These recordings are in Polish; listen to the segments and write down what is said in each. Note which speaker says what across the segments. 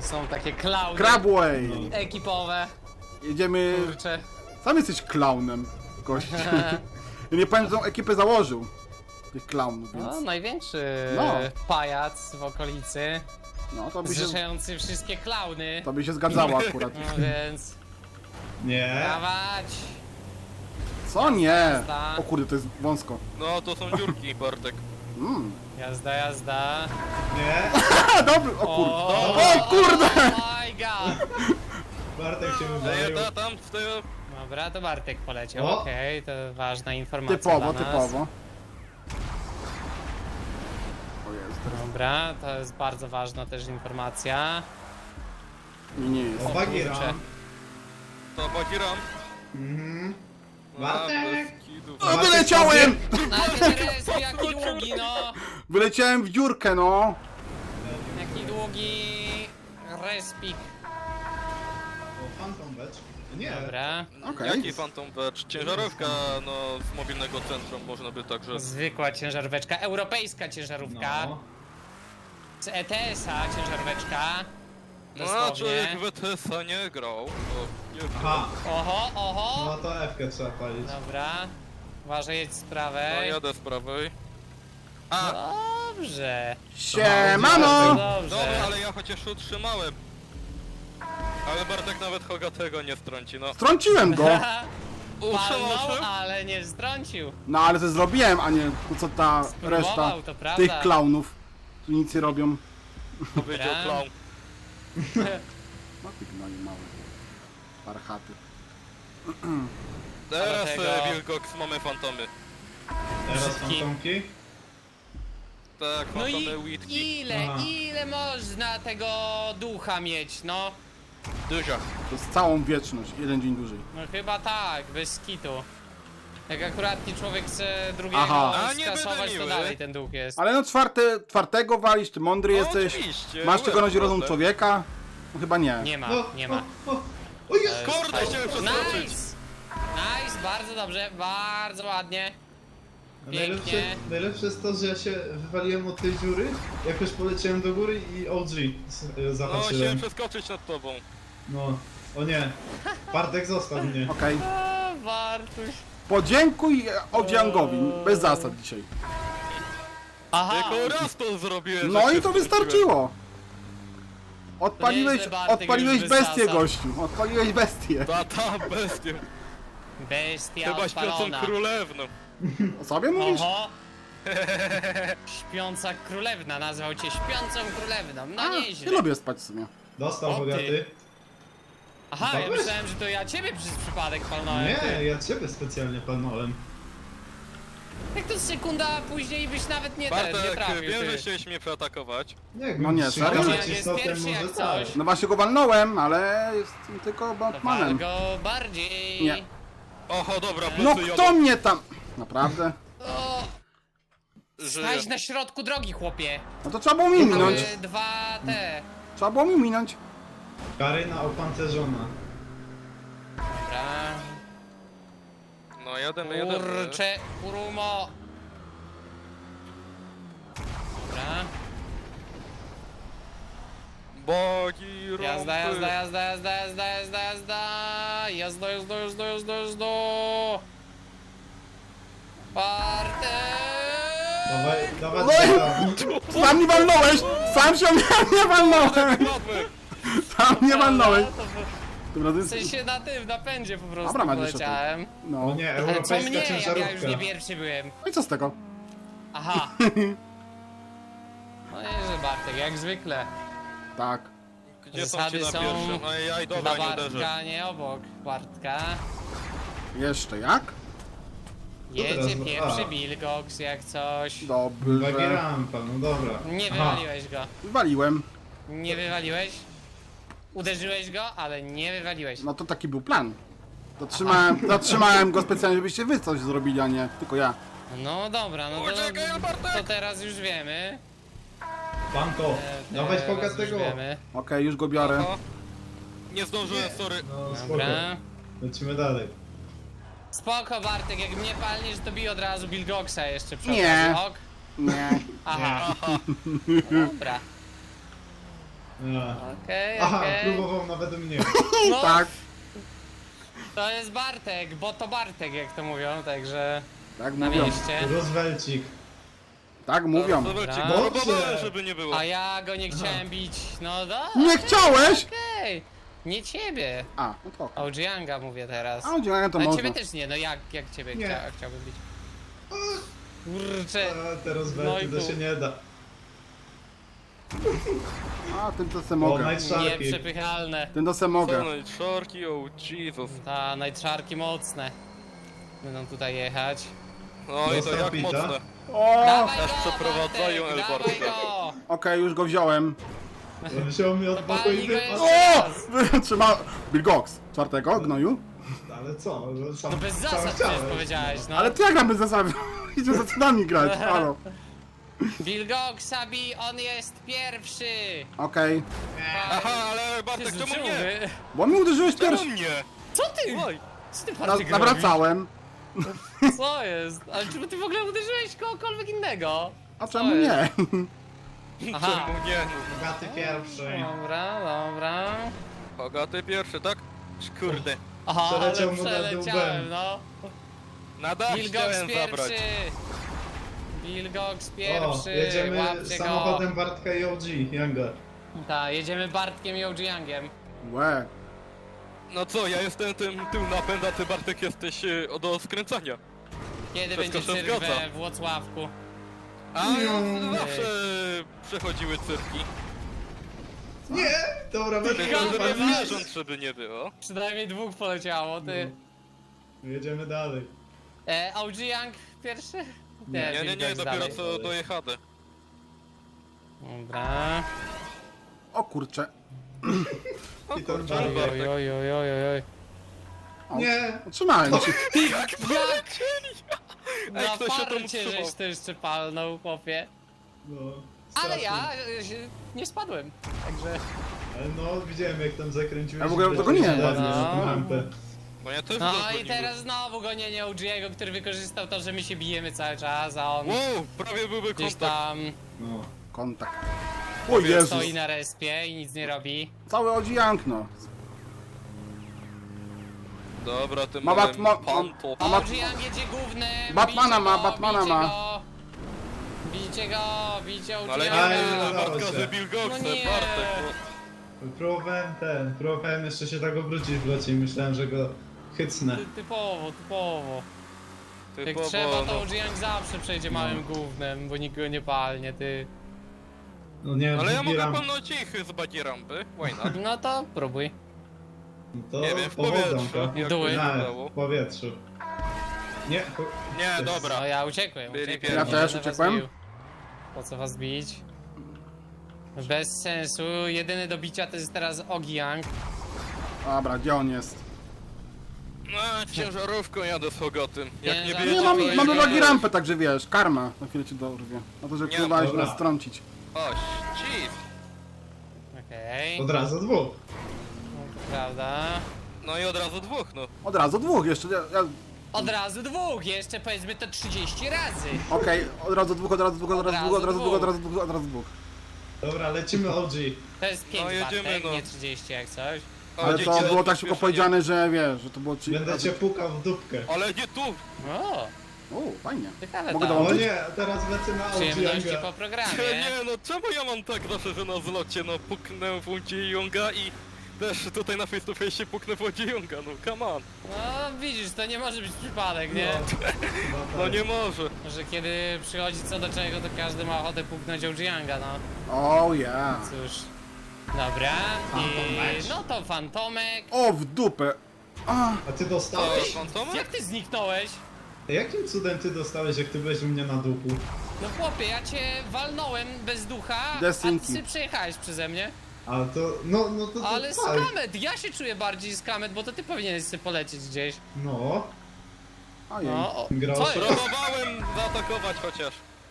Speaker 1: Są takie klauny
Speaker 2: Crabway!
Speaker 1: ekipowe.
Speaker 2: Jedziemy...
Speaker 1: Kurczę.
Speaker 2: Sam jesteś klaunem, gość. Ja nie pamiętam, tą ekipę założył. Tych klaunów, więc...
Speaker 1: No, największy
Speaker 2: No.
Speaker 1: pajac w okolicy.
Speaker 2: No, to by się...
Speaker 1: Zrzeszający wszystkie klauny.
Speaker 2: To by się zgadzało akurat.
Speaker 1: No więc...
Speaker 3: Nie.
Speaker 1: Dawać!
Speaker 2: Co? Nie! O kurde, to jest wąsko.
Speaker 4: No to są dziurki, Bartek.
Speaker 1: Jazda, jazda.
Speaker 3: Nie.
Speaker 2: A, dobry! O kurde! O kurde!
Speaker 1: Oh my god!
Speaker 3: Bartek się
Speaker 4: Daję
Speaker 3: wywalił.
Speaker 4: tam w tego...
Speaker 1: Dobra, to Bartek poleciał.
Speaker 3: O.
Speaker 1: Okej, to ważna informacja
Speaker 2: Typowo,
Speaker 1: dla nas.
Speaker 2: typowo. O jest, teraz
Speaker 1: Dobra, to jest bardzo ważna też informacja.
Speaker 2: mi nie jest.
Speaker 3: O, Bagira.
Speaker 1: Kurczę.
Speaker 4: To Bagiram.
Speaker 3: Mhm.
Speaker 4: A,
Speaker 3: Bartek.
Speaker 4: bez kidu.
Speaker 2: O, wyleciałem!
Speaker 1: Najpierw jaki długi, no!
Speaker 2: Wyleciałem w dziurkę, no!
Speaker 1: Jaki długi respik.
Speaker 3: O, Phantom Badge. Nie.
Speaker 1: Dobra.
Speaker 2: Okej.
Speaker 4: Jaki Phantom Badge? Ciężarówka, no, z mobilnego centrum można by także...
Speaker 1: Zwykła ciężaróweczka, europejska ciężarówka.
Speaker 3: No.
Speaker 1: Z ETS-a ciężaróweczka.
Speaker 4: No,
Speaker 1: Dosłownie.
Speaker 4: człowiek w ETS-a nie grał. Nie
Speaker 3: Aha.
Speaker 1: Oho, oho.
Speaker 3: No to F-kę trzeba palić.
Speaker 1: Dobra. Uważaj, jedź z
Speaker 4: No,
Speaker 1: prawej.
Speaker 4: jadę z prawej. A,
Speaker 1: Dobrze.
Speaker 2: Siemano!
Speaker 4: dobra,
Speaker 1: Dobrze.
Speaker 4: ale ja chociaż utrzymałem. Ale Bartek nawet Hogatego nie strąci, no.
Speaker 2: Trąciłem go!
Speaker 4: Utrzymał
Speaker 1: Palnął,
Speaker 4: się?
Speaker 1: ale nie strącił.
Speaker 2: No ale to zrobiłem, a nie to co ta reszta
Speaker 1: Spróbował, to prawda.
Speaker 2: tych klaunów, tu nic nie robią.
Speaker 4: Powiedział
Speaker 1: Dobra.
Speaker 4: clown.
Speaker 2: No ty gnoju mały. Parchaty.
Speaker 4: Teraz
Speaker 1: Dlatego-
Speaker 4: Wilgox mamy fantomy.
Speaker 3: Teraz
Speaker 1: Brzydki.
Speaker 3: fantomki.
Speaker 4: Tak,
Speaker 1: No
Speaker 4: fantomy
Speaker 1: i
Speaker 4: Witki.
Speaker 3: Aha.
Speaker 1: ile można tego ducha mieć, no?
Speaker 4: Duża.
Speaker 2: Przez całą wieczność, jeden dzień dłużej.
Speaker 1: No chyba tak, bez kitu. Jak akuratnie człowiek chce drugiego
Speaker 2: Aha.
Speaker 4: A, nie będę
Speaker 1: skasować, to
Speaker 4: miły.
Speaker 1: dalej ten duch jest.
Speaker 2: Ale no czwartego walisz, ty mądry
Speaker 4: No,
Speaker 2: jesteś.
Speaker 4: oczywiście,
Speaker 2: Masz czego
Speaker 4: byłem
Speaker 2: nosić rozum
Speaker 4: młody.
Speaker 2: człowieka? No chyba nie.
Speaker 1: Nie ma,
Speaker 3: No,
Speaker 1: nie ma.
Speaker 3: O jest!
Speaker 4: Kurde, chciałem przeskoczyć.
Speaker 1: Nice! Nice, bardzo dobrze, bardzo ładnie.
Speaker 3: Najlepsze,
Speaker 1: Pięknie.
Speaker 3: najlepsze jest to, że ja się wywaliłem od tej dziury, jakoś poleciałem do góry i OG
Speaker 4: No, chciałem
Speaker 3: zahaczyłem.
Speaker 4: przeskoczyć nad tobą.
Speaker 3: No. O nie. Bartek został mnie.
Speaker 2: Okej.
Speaker 1: O, Bartuś.
Speaker 2: Podziękuj Odziangowi, bez zasad dzisiaj.
Speaker 1: Aha,
Speaker 4: Tylko raz to zrobiłem.
Speaker 2: No
Speaker 4: że
Speaker 2: i
Speaker 4: się
Speaker 2: to
Speaker 4: wróciłem.
Speaker 2: wystarczyło. Odpaliłeś,
Speaker 1: nieźle, Bartek,
Speaker 2: odpaliłeś
Speaker 1: już bez
Speaker 2: bestię,
Speaker 1: zasad.
Speaker 2: gościu. Odpaliłeś bestię.
Speaker 4: Ta bestię.
Speaker 1: bestia
Speaker 4: Chyba śpiącą
Speaker 1: odpalona.
Speaker 4: królewną.
Speaker 2: O sobie mówisz?
Speaker 1: Oho. Śpiąca królewna, nazwał cię śpiącą królewną, no
Speaker 2: Nie
Speaker 1: nieźle.
Speaker 2: lubię spać w sumie.
Speaker 3: Dostał
Speaker 1: O, ty.
Speaker 3: bogaty.
Speaker 1: Aha, ja
Speaker 3: Weź.
Speaker 1: myślałem, że to ja ciebie przez przypadek palnąłem.
Speaker 3: Nie,
Speaker 1: ty.
Speaker 3: ja ciebie specjalnie palnąłem.
Speaker 1: Jak to sekunda później byś nawet nie
Speaker 4: Bartek,
Speaker 1: trafił,
Speaker 4: wiem,
Speaker 1: ty.
Speaker 4: że chciałeś mnie preatakować.
Speaker 3: Jak
Speaker 2: No nie, serio?
Speaker 1: Ja jest pierwszy jak coś.
Speaker 2: No właśnie go walnąłem, ale jestem tylko
Speaker 1: To
Speaker 2: Batmanem.
Speaker 1: wal go bardziej.
Speaker 2: Nie.
Speaker 4: Oho, dobra,
Speaker 2: No
Speaker 4: plecy
Speaker 2: kto mnie tam... Naprawdę?
Speaker 1: O,
Speaker 4: Żyje.
Speaker 1: staś na środku drogi, chłopie.
Speaker 2: No to trzeba było mi minąć.
Speaker 1: Dwa te.
Speaker 2: Trzeba było mi minąć.
Speaker 3: Karyna opancerzona.
Speaker 1: Dobra.
Speaker 4: No jademy, jademy.
Speaker 1: Kurcze, kurumo. Dobra.
Speaker 4: Bogi rąby.
Speaker 1: Jazda, jazda, jazda, jazda, jazda, jazda, jazda. Jazda, jazda, jazda, jazda, jazda. Bartek!
Speaker 3: Dawaj, dawaj,
Speaker 2: No
Speaker 3: dawaj.
Speaker 2: Sam nie walnąłeś! Sam się nie walnąłem!
Speaker 4: Padłem.
Speaker 2: Sam nie walnąłeś!
Speaker 1: To
Speaker 2: Dobra, to
Speaker 1: w
Speaker 2: jest...
Speaker 1: sensie na tym, na pędzie po prostu
Speaker 2: Dobra, Mariusz,
Speaker 1: poleciałem.
Speaker 2: No.
Speaker 3: O nie,
Speaker 1: Ale co
Speaker 3: europejska
Speaker 1: mnie, jak ja już
Speaker 3: ciężarówka.
Speaker 1: nie pierwszy byłem.
Speaker 2: No i co z tego?
Speaker 1: Aha. No nieźle, Bartek, jak zwykle.
Speaker 2: Tak.
Speaker 4: Gdzie są
Speaker 1: Zasady
Speaker 4: ci na
Speaker 1: są
Speaker 4: pierwszym? Ajaj,
Speaker 1: Dla
Speaker 4: dobra, nie uderzę.
Speaker 1: Bartka, nie obok Bartka.
Speaker 2: Jeszcze jak?
Speaker 1: Jedzie
Speaker 3: teraz?
Speaker 1: pierwszy
Speaker 3: A.
Speaker 1: Wilgox jak coś.
Speaker 2: Dobrze.
Speaker 3: Bagi rampa, no dobra.
Speaker 1: Nie
Speaker 3: Aha.
Speaker 1: wywaliłeś go.
Speaker 2: Waliłem.
Speaker 1: Nie wywaliłeś. Uderzyłeś go, ale nie wywaliłeś.
Speaker 2: No to taki był plan. Zatrzymałem go specjalnie, żebyście wy coś zrobili, a nie tylko ja.
Speaker 1: No dobra, no
Speaker 4: Uciekaj, Bartek!
Speaker 1: to teraz już wiemy.
Speaker 3: Panko, dawać
Speaker 1: Teraz już
Speaker 3: bogatego.
Speaker 1: wiemy.
Speaker 2: Okej, już go biorę.
Speaker 4: Oho. Nie zdążyłem, sorry.
Speaker 3: No spoko.
Speaker 1: Dobra.
Speaker 3: Lecimy dalej.
Speaker 1: Spoko Bartek, jak mnie palniesz, to bij od razu Wilgoxa jeszcze przy
Speaker 2: Nie.
Speaker 1: okazji, ok?
Speaker 2: Nie.
Speaker 1: Aha,
Speaker 4: Aha.
Speaker 1: dobra. Okej,
Speaker 3: Aha,
Speaker 1: okej.
Speaker 3: próbował nawet mnie.
Speaker 1: No,
Speaker 2: Tak,
Speaker 1: to jest Bartek, bo to Bartek, jak to mówią, także
Speaker 2: tak
Speaker 1: na
Speaker 2: mówią.
Speaker 1: mieście.
Speaker 3: Roosevelcik.
Speaker 2: Tak mówią.
Speaker 4: Zobaczcie,
Speaker 1: Dobra.
Speaker 4: próbowałem, żeby nie było.
Speaker 1: A ja go nie chciałem bić, no da.
Speaker 2: Nie chciałeś?
Speaker 1: Okej, nie ciebie.
Speaker 2: A, no to.
Speaker 1: OG Younga mówię teraz.
Speaker 2: A, dziękuję, to
Speaker 1: Ale
Speaker 2: można.
Speaker 1: ciebie też nie, no jak ciebie
Speaker 3: Nie.
Speaker 1: chciałbym bić? Kurczę.
Speaker 3: A, te
Speaker 1: No
Speaker 3: Roosevelty
Speaker 1: i
Speaker 3: to
Speaker 1: tu.
Speaker 3: się nie da.
Speaker 2: A, tym to se
Speaker 3: O,
Speaker 2: mogę.
Speaker 3: Night Sharky.
Speaker 1: Nieprzepychalne.
Speaker 2: Tym to se mogę.
Speaker 4: Co, Szorki, oh Jesus.
Speaker 1: Ta najczarki mocne. Będą tutaj jechać.
Speaker 4: No i to
Speaker 3: Dostał
Speaker 4: jak
Speaker 3: pita.
Speaker 4: mocne.
Speaker 2: O!
Speaker 1: Dawaj
Speaker 4: Aż
Speaker 1: go,
Speaker 4: przeprowadzają
Speaker 1: Bartek,
Speaker 4: El
Speaker 1: dawaj
Speaker 4: Bartka.
Speaker 1: go!
Speaker 2: Okej, już go wziąłem.
Speaker 3: Wziął mi od boku
Speaker 1: Pali
Speaker 3: i
Speaker 1: go
Speaker 3: wypadł.
Speaker 1: jeszcze.
Speaker 2: O! Trzyma... Bill Gox. Czwartego, gnoju?
Speaker 3: Ale co? Sam,
Speaker 1: No bez
Speaker 3: sam
Speaker 1: zasad
Speaker 3: chciałem.
Speaker 1: przecież powiedziałeś, no.
Speaker 2: Ale ty jak gram bez zasady? Idzie za cenami grać, halo.
Speaker 1: Wilgok Sabi, on jest pierwszy!
Speaker 2: Okej.
Speaker 4: Aha, ale Bartek,
Speaker 1: Jezu,
Speaker 4: czemu
Speaker 1: czemu
Speaker 4: mnie?
Speaker 1: wy-
Speaker 2: Bo mi uderzyłeś
Speaker 4: Czemu
Speaker 2: pierwszy.
Speaker 4: mnie?
Speaker 1: Co ty?
Speaker 4: Oj,
Speaker 1: Co ty Bartek
Speaker 2: Nawracałem.
Speaker 1: robisz? Co jest? Ale czy ty w ogóle uderzyłeś kogokolwiek innego?
Speaker 2: A
Speaker 1: Co
Speaker 2: czemu
Speaker 1: jest?
Speaker 2: nie?
Speaker 1: Aha.
Speaker 4: czemu nie?
Speaker 3: Bogaty pierwszy.
Speaker 1: Dobra, dobra.
Speaker 4: Bogaty pierwszy, tak? Kurde.
Speaker 1: Aha,
Speaker 3: Przeleciał
Speaker 1: ale
Speaker 3: mu nad
Speaker 1: przeleciałem,
Speaker 3: łbem.
Speaker 1: no.
Speaker 4: Na dach
Speaker 1: Wilgox
Speaker 4: chciałem zabrać.
Speaker 1: pierwszy! Wilgox
Speaker 3: O,
Speaker 1: pierwszy!
Speaker 3: jedziemy
Speaker 1: Łapcie
Speaker 3: samochodem Bartka i OG, Younga.
Speaker 1: go! Tak, jedziemy Bartkiem i OG Youngiem.
Speaker 2: Łe.
Speaker 4: No co, ja jestem tym tył napęd, a ty Bartek jesteś do skręcania.
Speaker 1: Kiedy
Speaker 4: Wszystko
Speaker 1: będzie
Speaker 4: się
Speaker 1: cyrk
Speaker 4: zgadza.
Speaker 1: we Włocławku?
Speaker 4: A
Speaker 3: Nie.
Speaker 4: zawsze przechodziły cyrki.
Speaker 3: Nie! Dobra,
Speaker 4: Tylko
Speaker 3: będę
Speaker 1: Zgadza
Speaker 4: żeby
Speaker 1: się.
Speaker 4: zwierząt, żeby nie było.
Speaker 1: Przynajmniej dwóch poleciało, ty.
Speaker 3: Jedziemy dalej.
Speaker 1: OG Young pierwszy?
Speaker 4: Nie,
Speaker 1: Wilgox
Speaker 4: dopiero
Speaker 1: dalej.
Speaker 4: co dojechane.
Speaker 1: Dobra.
Speaker 2: O kurcze.
Speaker 4: O
Speaker 3: I ten
Speaker 4: kurczę,
Speaker 3: Bartek.
Speaker 4: Bartek.
Speaker 1: Oj, oj, oj, oj, oj.
Speaker 2: O,
Speaker 3: Nie!
Speaker 2: Otrzymałem ci.
Speaker 1: Jak?
Speaker 4: Ej,
Speaker 1: Na
Speaker 4: ktoś się tam
Speaker 1: farcie
Speaker 4: utrzymał.
Speaker 1: żeś to jeszcze palnął, chłopie.
Speaker 3: No,
Speaker 1: Ale
Speaker 3: strasznie.
Speaker 1: ja nie spadłem, także...
Speaker 3: Ale no, widziałem jak tam zakręciłeś.
Speaker 2: Ja w ogóle
Speaker 3: i
Speaker 2: tego nie
Speaker 3: leciałeś
Speaker 2: wiem.
Speaker 3: dalej na tą
Speaker 1: No.
Speaker 3: rampę.
Speaker 4: Bo ja też
Speaker 1: No
Speaker 4: go
Speaker 1: i teraz znowu gonienie OG'ego, który wykorzystał to, że my się bijemy cały czas, a on
Speaker 4: Wow, prawie byłby
Speaker 1: gdzieś
Speaker 4: kontakt.
Speaker 1: tam
Speaker 3: No.
Speaker 2: Kontakt. O Jezus.
Speaker 1: stoi na respie i nic nie robi.
Speaker 2: Cały odzijank, no.
Speaker 4: Dobra, tym
Speaker 2: Ma
Speaker 4: małym
Speaker 2: Batma-
Speaker 4: panto.
Speaker 2: A ma-
Speaker 1: OG Young jedzie głównym,
Speaker 2: Batmana
Speaker 1: bijcie
Speaker 2: ma,
Speaker 1: go,
Speaker 2: Batmana
Speaker 1: bijcie
Speaker 2: ma.
Speaker 1: go. Bijcie go, bijcie OG
Speaker 4: No ale nie
Speaker 3: Aj,
Speaker 1: Younga.
Speaker 3: udało
Speaker 4: Bartka
Speaker 3: się.
Speaker 4: wybił Goksę,
Speaker 1: No nie.
Speaker 4: Bartek. No.
Speaker 3: Próbowałem jeszcze się tak obrócić w locie i myślałem, że go hycnę.
Speaker 1: Typowo, typowo. Jak
Speaker 4: Typowo,
Speaker 1: trzeba, to
Speaker 4: no.
Speaker 1: OG Young zawsze przejdzie małym głównym, bo nikt go nie palnie, ty.
Speaker 3: No nie,
Speaker 4: Ale ja
Speaker 3: drugi
Speaker 4: mogę
Speaker 3: ram.
Speaker 4: palnąć ich z bagi rampy. Why not?
Speaker 1: No to próbuj.
Speaker 3: To
Speaker 4: Nie wiem, w
Speaker 3: powodzą
Speaker 4: powietrzu.
Speaker 3: to.
Speaker 4: Jak
Speaker 1: Duły.
Speaker 4: to
Speaker 3: Nie,
Speaker 4: udało.
Speaker 3: w powietrzu. Nie,
Speaker 4: Nie, dobra.
Speaker 1: No ja uciekłem,
Speaker 4: Byli
Speaker 1: uciekłem.
Speaker 4: pierwsi.
Speaker 1: nie
Speaker 2: Ja też
Speaker 1: będę was
Speaker 2: uciekłem.
Speaker 1: bił. Po co was bić? Bez sensu, jedyny do bicia to jest teraz OG Young.
Speaker 2: Dobra, gdzie on jest?
Speaker 4: No, ciężarówką jadę z Hogatym. Jak nie
Speaker 1: Nie,
Speaker 4: wiecie,
Speaker 2: Nie,
Speaker 1: mam-
Speaker 4: to
Speaker 2: mamy
Speaker 1: nie.
Speaker 2: wagi rampę, także wiesz, karma. Na chwilę cię dorwie. Na to, że
Speaker 4: Nie,
Speaker 2: próbowałeś
Speaker 3: dobra.
Speaker 2: nas strącić.
Speaker 4: O, chief.
Speaker 1: Okej,
Speaker 3: od razu dwóch.
Speaker 1: prawda.
Speaker 4: No i od razu dwóch, no.
Speaker 2: Od razu dwóch jeszcze.
Speaker 1: Od razu dwóch, jeszcze powiedzmy to 30 razy.
Speaker 2: Okej, od razu dwóch, od razu dwóch, od razu dwóch, od razu dwóch, od razu dwóch, od razu dwóch.
Speaker 3: Dobra, lecimy OG.
Speaker 1: To jest 5
Speaker 4: No, jedziemy,
Speaker 1: Bartek,
Speaker 4: no.
Speaker 1: nie 30 jak coś.
Speaker 4: O,
Speaker 2: Ale
Speaker 4: dzięki
Speaker 2: to
Speaker 4: za
Speaker 2: było tak szybko
Speaker 4: przyspieszenie.
Speaker 2: powiedziane, że wiesz, że to było...
Speaker 3: Będę cię pukał w dupkę.
Speaker 4: Ale nie tu!
Speaker 1: O,
Speaker 2: O, fajnie.
Speaker 1: ciekawe
Speaker 2: Mogę
Speaker 1: to.
Speaker 3: O
Speaker 2: dołączyć?
Speaker 3: nie, teraz lecę na OG
Speaker 1: Przyjemności
Speaker 3: Younga.
Speaker 1: po programie.
Speaker 4: Nie, no czemu ja mam tak zawsze, że na zlocie, no puknę w Łodzi Junga i też tutaj na face to face puknę w Łodzi Junga, no come on.
Speaker 1: No widzisz, to nie może być przypadek, nie?
Speaker 4: No nie może.
Speaker 1: Że kiedy przychodzi co do czego, to każdy ma ochotę puknąć OG Younga, no.
Speaker 2: O ja.
Speaker 1: Cóż. Dobra,
Speaker 3: Phantom
Speaker 1: i
Speaker 3: match.
Speaker 1: no to Fantomek.
Speaker 2: O, w dupę. A,
Speaker 3: A ty
Speaker 4: O,
Speaker 3: dostałeś?
Speaker 4: fantomy?
Speaker 1: Jak ty zniknąłeś?
Speaker 3: Jakim cudem ty dostałeś, jak ty byłeś u mnie na duchu?
Speaker 1: No chłopie, ja cię walnąłem bez ducha, a
Speaker 2: Desinki.
Speaker 1: ty przejechałeś przeze mnie.
Speaker 3: A to, no to
Speaker 1: Ale
Speaker 3: tak.
Speaker 1: skamet, ja się czuję bardziej skamet, bo to ty powinieneś sobie polecieć gdzieś.
Speaker 3: No,
Speaker 2: ojej.
Speaker 1: No, o,
Speaker 3: Grał
Speaker 1: co
Speaker 3: się.
Speaker 1: jest?
Speaker 4: Próbowałem zaatakować chociaż.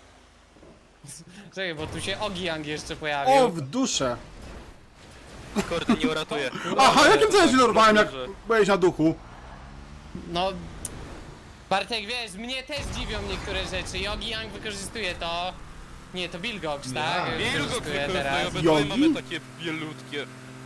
Speaker 1: Czekaj, bo tu się OG Young jeszcze pojawił.
Speaker 2: O, w duszę.
Speaker 4: Kurde, nie uratuję.
Speaker 2: Aha, jakim celem się dorwałem, jak
Speaker 4: Dobrze.
Speaker 2: byłeś na duchu?
Speaker 1: No, Bartek, wiesz, mnie też dziwią niektóre rzeczy i OG Young wykorzystuje to. Nie, to Bilgox,
Speaker 3: Nie.
Speaker 1: tak?
Speaker 4: Wilgo
Speaker 1: Wykorzystuję
Speaker 4: wykorzystuje,
Speaker 1: teraz.
Speaker 4: obydwoje
Speaker 2: Jogi?
Speaker 4: mamy takie bielutkie.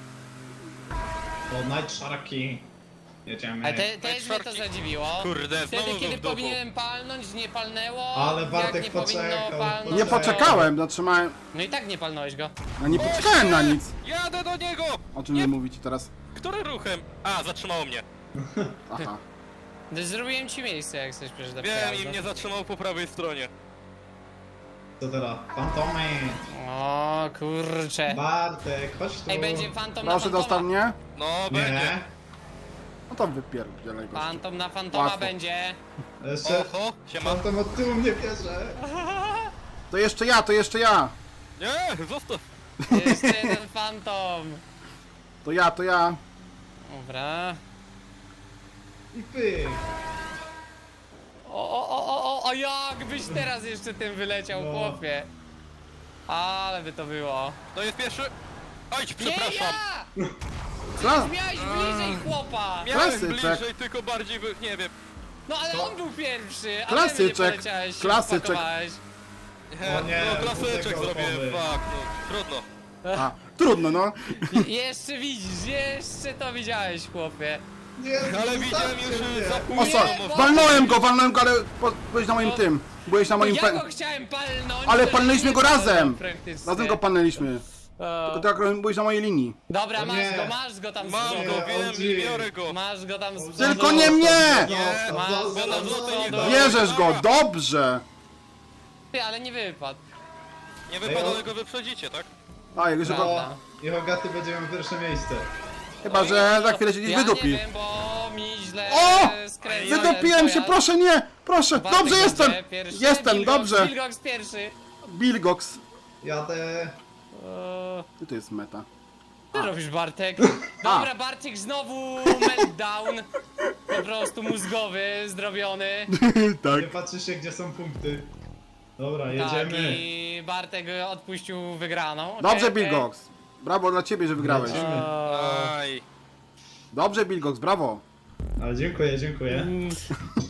Speaker 3: O, Night Sharki. Jedziemy.
Speaker 1: Ale też mnie to
Speaker 4: Szarki.
Speaker 1: zadziwiło.
Speaker 4: Kurde,
Speaker 1: Wtedy,
Speaker 4: znowu
Speaker 1: kiedy
Speaker 4: w domu.
Speaker 1: powinienem palnąć, nie palnęło.
Speaker 3: Ale
Speaker 1: jak
Speaker 3: Bartek
Speaker 1: nie powinno
Speaker 3: poczekał,
Speaker 1: palnąć.
Speaker 2: Nie
Speaker 3: No.
Speaker 2: poczekałem, zatrzymałem.
Speaker 1: No i tak nie palnąłeś go.
Speaker 2: Ja nie poczekałem na nic.
Speaker 4: Jadę do niego!
Speaker 2: O czym wy mówicie teraz?
Speaker 4: Którym ruchem? A, zatrzymało mnie.
Speaker 2: Aha.
Speaker 1: Zrobiłem ci miejsce, jak chcesz przejść do
Speaker 4: Wiem,
Speaker 1: przejazdu.
Speaker 4: i mnie zatrzymał po prawej stronie.
Speaker 3: Co teraz? Fantomy.
Speaker 1: O kurcze.
Speaker 3: Bartek, chodź tu.
Speaker 1: Ej, będzie fantom na
Speaker 2: Proszę
Speaker 1: fantoma.
Speaker 2: dostał mnie?
Speaker 4: No, będzie.
Speaker 3: Nie.
Speaker 2: No to wypierdzielaj go.
Speaker 1: Fantom na fantoma
Speaker 2: Łatwo.
Speaker 1: będzie.
Speaker 3: Jeszcze...
Speaker 4: Oho, siema.
Speaker 3: Fantom od tyłu mnie bierze.
Speaker 2: To jeszcze ja, to jeszcze ja.
Speaker 4: Nie, zostaw.
Speaker 1: Jeszcze jeden fantom.
Speaker 2: To ja, to ja.
Speaker 1: Dobra.
Speaker 3: I pyk.
Speaker 1: O, jakbyś teraz jeszcze tym wyleciał,
Speaker 3: No.
Speaker 1: chłopie. Ale by to było.
Speaker 4: To jest pierwszy. Oj,
Speaker 1: Nie
Speaker 4: przepraszam.
Speaker 1: ja!
Speaker 2: Co?
Speaker 1: Miałeś bliżej chłopa!
Speaker 4: Miałem
Speaker 2: Klasyczek.
Speaker 4: bliżej, tylko bardziej, nie wiem.
Speaker 1: No ale
Speaker 3: Co?
Speaker 1: on był pierwszy, a
Speaker 2: Klasyczek.
Speaker 1: ty mnie poleciałeś, się
Speaker 2: Klasyczek.
Speaker 1: wpakowałeś.
Speaker 3: O nie,
Speaker 4: no klasyczek
Speaker 3: tego
Speaker 4: zrobiłem,
Speaker 3: opony.
Speaker 4: fuck, no, trudno.
Speaker 2: A, trudno no.
Speaker 1: Jeszcze widzisz, jeszcze to widziałeś, chłopie.
Speaker 3: Nie,
Speaker 4: Ale widziałem
Speaker 3: zostawcie
Speaker 4: już
Speaker 3: mnie.
Speaker 4: za
Speaker 2: O
Speaker 4: późno.
Speaker 2: co?
Speaker 1: bo-
Speaker 2: Walnąłem go, ale byłeś na moim tym. Byłeś na moim
Speaker 1: Ja go
Speaker 2: pe...
Speaker 1: chciałem palnąć,
Speaker 2: Ale
Speaker 1: to
Speaker 2: palnęliśmy
Speaker 1: nie
Speaker 2: go
Speaker 1: palnął
Speaker 2: razem.
Speaker 1: praktycznie.
Speaker 2: Razem go palnęliśmy.
Speaker 1: O.
Speaker 2: Tylko ty akurat byłeś na mojej linii.
Speaker 1: Dobra,
Speaker 3: O
Speaker 1: masz
Speaker 3: nie.
Speaker 1: go, masz go tam z
Speaker 4: Mam
Speaker 1: przodu.
Speaker 4: go, wiem
Speaker 3: OG.
Speaker 4: i biorę go.
Speaker 1: Masz go tam z przodu.
Speaker 2: Tylko nie mnie!
Speaker 3: Zostaw,
Speaker 1: Masz
Speaker 3: zostaw,
Speaker 1: go na
Speaker 3: zostaw.
Speaker 1: złoto nie do...
Speaker 2: Bierzesz go, dobrze.
Speaker 1: Ty, ale nie wypadł.
Speaker 4: Nie wypada, ale go wyprzedzicie, tak?
Speaker 2: A, jak że go...
Speaker 1: Prawda.
Speaker 3: O, i Hogaty będzie miał pierwsze miejsce.
Speaker 2: Chyba, że za chwilę się gdzieś
Speaker 1: Ja
Speaker 2: wydupi.
Speaker 1: nie wiem, bo mi źle
Speaker 2: O!
Speaker 1: skręcił
Speaker 2: Wydupiłem się,
Speaker 1: pojazd.
Speaker 2: proszę nie! Proszę,
Speaker 1: Bartek
Speaker 2: dobrze
Speaker 1: będzie
Speaker 2: jestem!
Speaker 1: pierwszy,
Speaker 2: Jestem,
Speaker 1: Bilgox-
Speaker 2: dobrze!
Speaker 1: Bilgox pierwszy.
Speaker 2: Bilgox.
Speaker 3: Jadę.
Speaker 2: I to jest meta.
Speaker 1: Co robisz, Bartek? Dobra, Bartek znowu meltdown. Po prostu mózgowy, zrobiony.
Speaker 2: Tak.
Speaker 3: Nie patrzy się, gdzie są punkty. Dobra,
Speaker 1: Tak,
Speaker 3: jedziemy.
Speaker 1: i Bartek odpuścił wygraną. Okej,
Speaker 2: Dobrze,
Speaker 1: okej.
Speaker 2: Bilgox. Brawo dla ciebie, że wygrałeś.
Speaker 3: Lecimy.
Speaker 1: O,
Speaker 4: Aj.
Speaker 2: Dobrze, Bilgox, brawo.
Speaker 3: Ale dziękuję, dziękuję.